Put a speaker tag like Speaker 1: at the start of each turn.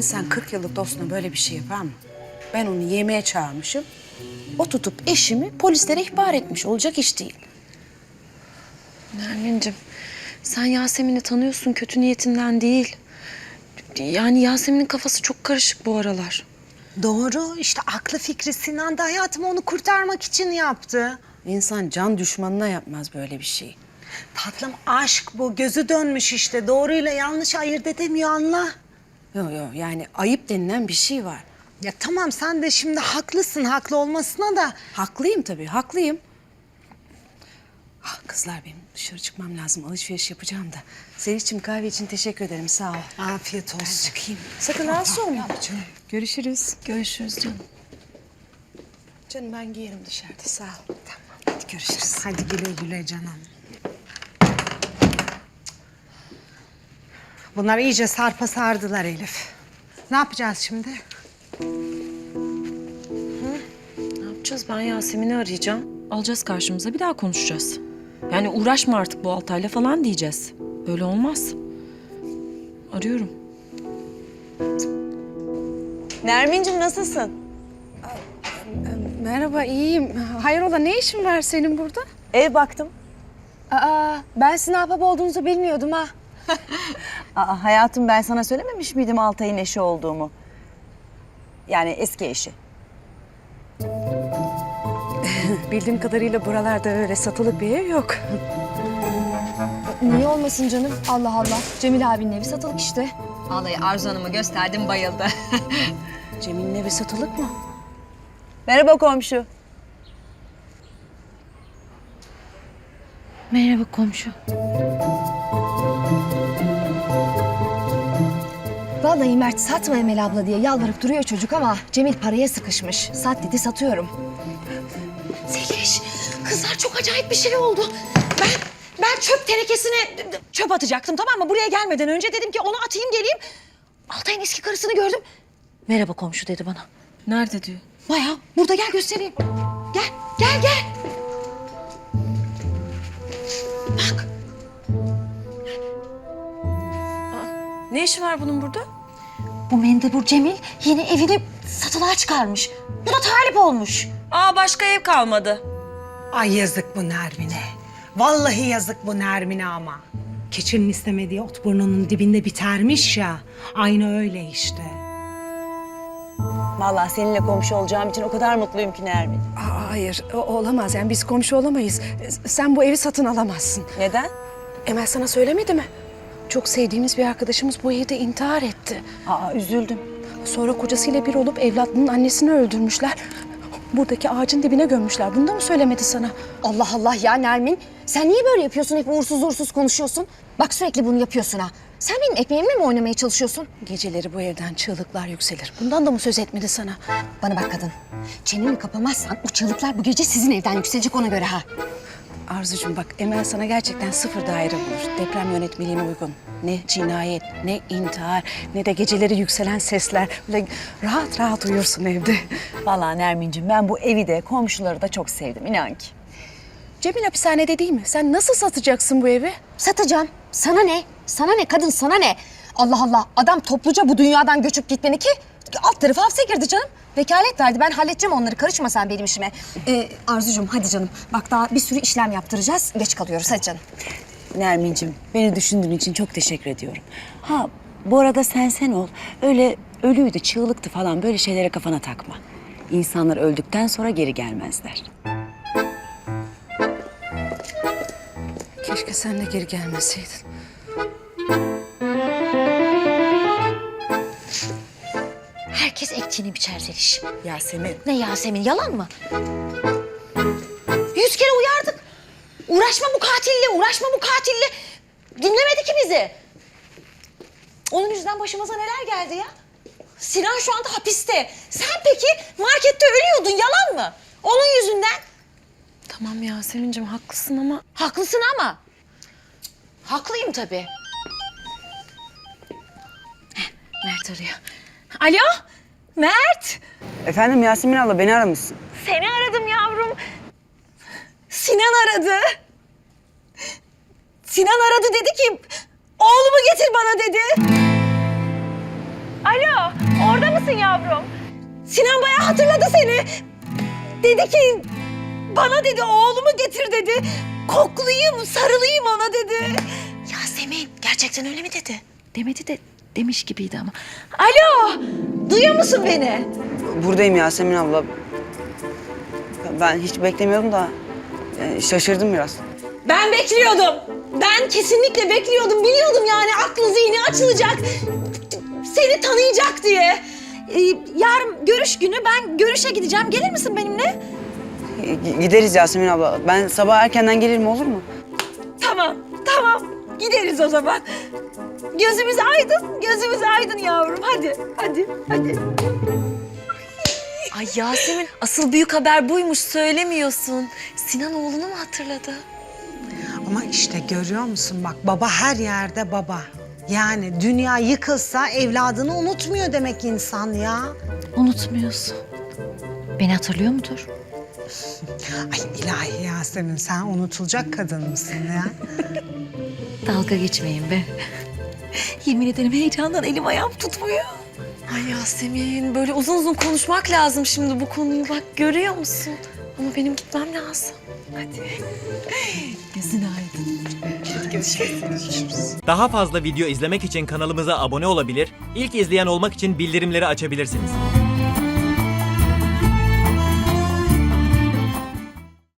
Speaker 1: İnsan 40 yıllık dostuna böyle bir şey yapar mı? Ben onu yemeğe çağırmışım. O tutup eşimi polislere ihbar etmiş. Olacak iş değil.
Speaker 2: Nermin'cim, sen Yasemin'i tanıyorsun, kötü niyetinden değil. Yani Yasemin'in kafası çok karışık bu aralar.
Speaker 3: Doğru. İşte aklı fikri Sinan da hayatımı onu kurtarmak için yaptı.
Speaker 1: İnsan can düşmanına yapmaz böyle bir şey.
Speaker 3: Tatlım aşk bu. Gözü dönmüş işte. Doğruyla yanlış ayırt edemiyor anla.
Speaker 1: Yok yok, yani ayıp denilen bir şey var.
Speaker 3: Ya tamam sen de şimdi haklısın. Haklı olmasına da.
Speaker 1: Haklıyım tabii, haklıyım. Ah, kızlar, benim dışarı çıkmam lazım. Alışveriş yapacağım da. Seliş'cim, kahve için teşekkür ederim. Sağ ol.
Speaker 3: Afiyet olsun.
Speaker 1: Çıkayım. Sakın rahatsız olma. Görüşürüz.
Speaker 2: Görüşürüz canım.
Speaker 1: Canım, ben giyerim dışarıda. Sağ ol.
Speaker 3: Tamam. Hadi görüşürüz. Hadi güle güle canım. Bunlar iyice sarpa sardılar Elif. Ne yapacağız şimdi?
Speaker 2: Ne yapacağız? Ben Yasemin'i arayacağım. Alacağız karşımıza, bir daha konuşacağız. Yani uğraşma artık bu Altay'la falan diyeceğiz. Böyle olmaz. Arıyorum.
Speaker 4: Nermin'cim nasılsın?
Speaker 1: Merhaba, iyiyim. Hayrola, ne işin var senin burada?
Speaker 4: Ev baktım.
Speaker 5: Ben sizin ahbap olduğunuzu bilmiyordum ha.
Speaker 4: Hayatım ben sana söylememiş miydim Altay'ın eşi olduğumu? Yani eski eşi.
Speaker 1: Bildiğim kadarıyla buralarda öyle satılık bir ev yok.
Speaker 5: Niye olmasın canım? Allah Allah. Cemil abinin evi satılık işte.
Speaker 6: Vallahi Arzu Hanım'a gösterdim, bayıldı.
Speaker 1: Cemil'in evi satılık mı?
Speaker 4: Merhaba komşu.
Speaker 2: Merhaba komşu.
Speaker 5: Vallahi Mert satma Emel abla diye yalvarıp duruyor çocuk ama Cemil paraya sıkışmış. Sat dedi, satıyorum.
Speaker 6: Zeliş, kızlar çok acayip bir şey oldu. Ben çöp tenekesine çöp atacaktım, tamam mı? Buraya gelmeden önce dedim ki onu atayım geleyim. Altay'ın eski karısını gördüm. Merhaba komşu dedi bana.
Speaker 2: Nerede diyor?
Speaker 6: Bayağı burada, gel göstereyim. Gel. Bak.
Speaker 2: Ne işi var bunun burada?
Speaker 6: Bu mendebur Cemil yeni evini satılığa çıkarmış. Bu da talip olmuş.
Speaker 2: Aa, başka ev kalmadı.
Speaker 3: Ay yazık bu Nermin'e. Vallahi yazık bu Nermin'e ama. Keçinin istemediği ot burnunun dibinde bitermiş ya. Aynı öyle işte.
Speaker 4: Vallahi seninle komşu olacağım için o kadar mutluyum ki Nermin.
Speaker 1: Hayır, olamaz. Yani biz komşu olamayız. Sen bu evi satın alamazsın.
Speaker 4: Neden?
Speaker 1: Emel sana söylemedi mi? Çok sevdiğimiz bir arkadaşımız bu evde intihar etti.
Speaker 4: Üzüldüm.
Speaker 1: Sonra kocasıyla bir olup evladının annesini öldürmüşler. Buradaki ağacın dibine gömmüşler. Bunu da mı söylemedi sana?
Speaker 5: Allah Allah ya Nermin. Sen niye böyle yapıyorsun? Hep uğursuz uğursuz konuşuyorsun. Bak sürekli bunu yapıyorsun ha. Sen benim ekmeğimle mi oynamaya çalışıyorsun?
Speaker 1: Geceleri bu evden çığlıklar yükselir. Bundan da mı söz etmedi sana?
Speaker 5: Bana bak kadın. Çeneni kapamazsan o çığlıklar bu gece sizin evden yükselecek, ona göre ha.
Speaker 1: Arzucuğum bak, Emel sana gerçekten sıfır daire bulur. Deprem yönetmeliğine uygun. Ne cinayet, ne intihar, ne de geceleri yükselen sesler. Böyle rahat rahat uyursun evde.
Speaker 4: Vallahi Nermin'cim ben bu evi de komşuları da çok sevdim inan ki.
Speaker 1: Cemil hapishanede değil mi? Sen nasıl satacaksın bu evi?
Speaker 5: Satacağım. Sana ne? Sana ne kadın, sana ne? Allah Allah. Adam topluca bu dünyadan göçüp gitmeni ki alt tarafı hapse girdi canım. Vekalet verdi. Ben halledeceğim onları. Karışma sen benim işime. Arzucuğum hadi canım. Bak daha bir sürü işlem yaptıracağız. Geç kalıyoruz. Hadi canım.
Speaker 4: Nermin'cim beni düşündüğün için çok teşekkür ediyorum. Ha bu arada sen ol. Öyle ölüydü, çığlıktı falan böyle şeylere kafana takma. İnsanlar öldükten sonra geri gelmezler.
Speaker 1: Keşke sen de geri gelmeseydin.
Speaker 6: Herkes ektiğini biçer Zeliş.
Speaker 1: Yasemin.
Speaker 6: Ne Yasemin, yalan mı? 100 kere uyardık. Uğraşma bu katille. Dinlemedi ki bizi. Onun yüzünden başımıza neler geldi ya? Sinan şu anda hapiste. Sen peki markette ölüyordun, yalan mı? Onun yüzünden.
Speaker 2: Tamam Yasemin'cim, haklısın ama...
Speaker 6: Haklısın ama. Haklıyım tabii. Mert arıyor. Alo, Mert.
Speaker 4: Efendim Yasemin abla beni aramışsın.
Speaker 6: Seni aradım yavrum. Sinan aradı. Sinan aradı, dedi ki oğlumu getir bana dedi. Alo, orada mısın yavrum? Sinan bayağı hatırladı seni. Dedi ki, bana dedi oğlumu getir dedi. Koklayayım, sarılayım ona dedi. Yasemin, gerçekten öyle mi dedi? Demedi de demiş gibiydi ama. Alo, duyuyor musun beni?
Speaker 7: Buradayım Yasemin abla. Ben hiç beklemiyordum da şaşırdım biraz.
Speaker 6: Ben bekliyordum. Ben kesinlikle bekliyordum. Biliyordum yani aklı zihni açılacak. Seni tanıyacak diye. Yarın görüş günü, ben görüşe gideceğim. Gelir misin benimle?
Speaker 7: Gideriz Yasemin abla. Ben sabah erkenden gelirim, olur mu?
Speaker 6: Tamam, tamam. Gideriz o zaman. Gözümüz aydın, gözümüz aydın yavrum. Hadi, hadi, hadi.
Speaker 2: Ay Yasemin, asıl büyük haber buymuş, söylemiyorsun. Sinan oğlunu mu hatırladı?
Speaker 3: Ama işte görüyor musun bak, baba her yerde baba. Yani dünya yıkılsa evladını unutmuyor demek insan ya.
Speaker 5: Unutmuyorsun. Beni hatırlıyor mudur?
Speaker 3: Ay ilahi Yasemin, sen unutulacak kadın mısın ya?
Speaker 5: Dalga geçmeyin be. Yemin ederim heyecandan elim ayağım tutmuyor.
Speaker 2: Ay Yasemin, böyle uzun uzun konuşmak lazım şimdi bu konuyu. Bak görüyor musun? Ama benim gitmem lazım. Hadi. Gözün aydın.
Speaker 8: Daha fazla video izlemek için kanalımıza abone olabilir, ilk izleyen olmak için bildirimleri açabilirsiniz.